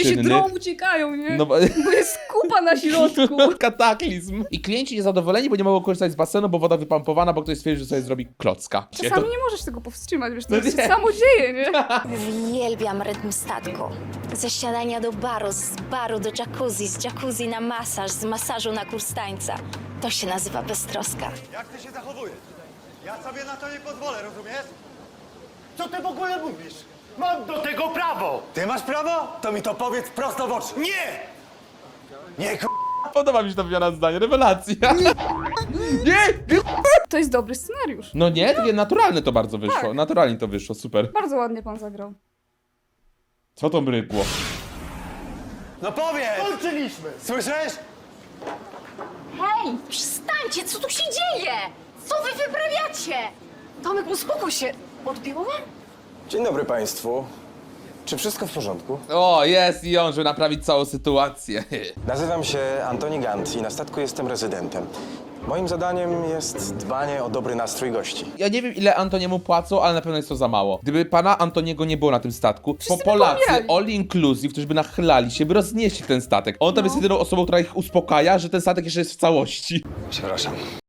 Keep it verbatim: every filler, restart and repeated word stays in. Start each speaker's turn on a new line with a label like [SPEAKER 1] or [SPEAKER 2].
[SPEAKER 1] Ludzie się
[SPEAKER 2] czynnych.
[SPEAKER 1] drą, uciekają, nie?
[SPEAKER 2] No bo...
[SPEAKER 1] Bo jest kupa na środku.
[SPEAKER 2] Kataklizm. I klienci niezadowoleni, bo nie mogą korzystać z basenu, bo woda wypompowana, bo ktoś stwierdził, że sobie zrobi klocka.
[SPEAKER 1] Czasami nie możesz tego powstrzymać, wiesz, to
[SPEAKER 2] No
[SPEAKER 1] się
[SPEAKER 2] nie.
[SPEAKER 1] samo dzieje, nie?
[SPEAKER 3] Uwielbiam rytm statku. Ze śniadania do baru, z baru do jacuzzi, z jacuzzi na masaż, z masażu na kurs tańca. To się nazywa beztroska.
[SPEAKER 4] Jak ty się zachowujesz? Ja sobie na to nie pozwolę, rozumiesz? Co ty w ogóle mówisz?
[SPEAKER 5] Mam do tego prawo!
[SPEAKER 4] Ty masz prawo? To mi to powiedz prosto w oczy.
[SPEAKER 5] Nie!
[SPEAKER 4] Nie, k***.
[SPEAKER 2] Podoba mi się ta wymiana zdań, rewelacja. Nie! nie.
[SPEAKER 1] To jest dobry scenariusz.
[SPEAKER 2] No nie, takie naturalne to bardzo wyszło.
[SPEAKER 1] Tak.
[SPEAKER 2] Naturalnie to wyszło, super.
[SPEAKER 1] Bardzo ładnie pan zagrał.
[SPEAKER 2] Co to mrygło?
[SPEAKER 4] No powiedz!
[SPEAKER 5] Kończyliśmy!
[SPEAKER 4] Słyszysz?
[SPEAKER 6] Hej, przestańcie, co tu się dzieje? Co wy wyprawiacie? Tomek, uspokój się. Odbiło wam?
[SPEAKER 7] Dzień dobry Państwu. Czy wszystko w porządku?
[SPEAKER 2] O, jest i on, żeby naprawić całą sytuację.
[SPEAKER 7] Nazywam się Antoni Gant i na statku jestem rezydentem. Moim zadaniem jest dbanie o dobry nastrój gości.
[SPEAKER 2] Ja nie wiem, ile Antoniemu płacą, ale na pewno jest to za mało. Gdyby pana Antoniego nie było na tym statku,
[SPEAKER 1] Wszyscy
[SPEAKER 2] to
[SPEAKER 1] by
[SPEAKER 2] Polacy,
[SPEAKER 1] pomierali.
[SPEAKER 2] all inclusive, którzy by nachylali się, by roznieśli ten statek. On tam
[SPEAKER 1] No.
[SPEAKER 2] jest jedyną osobą, która ich uspokaja, że ten statek jeszcze jest w całości.
[SPEAKER 7] Przepraszam.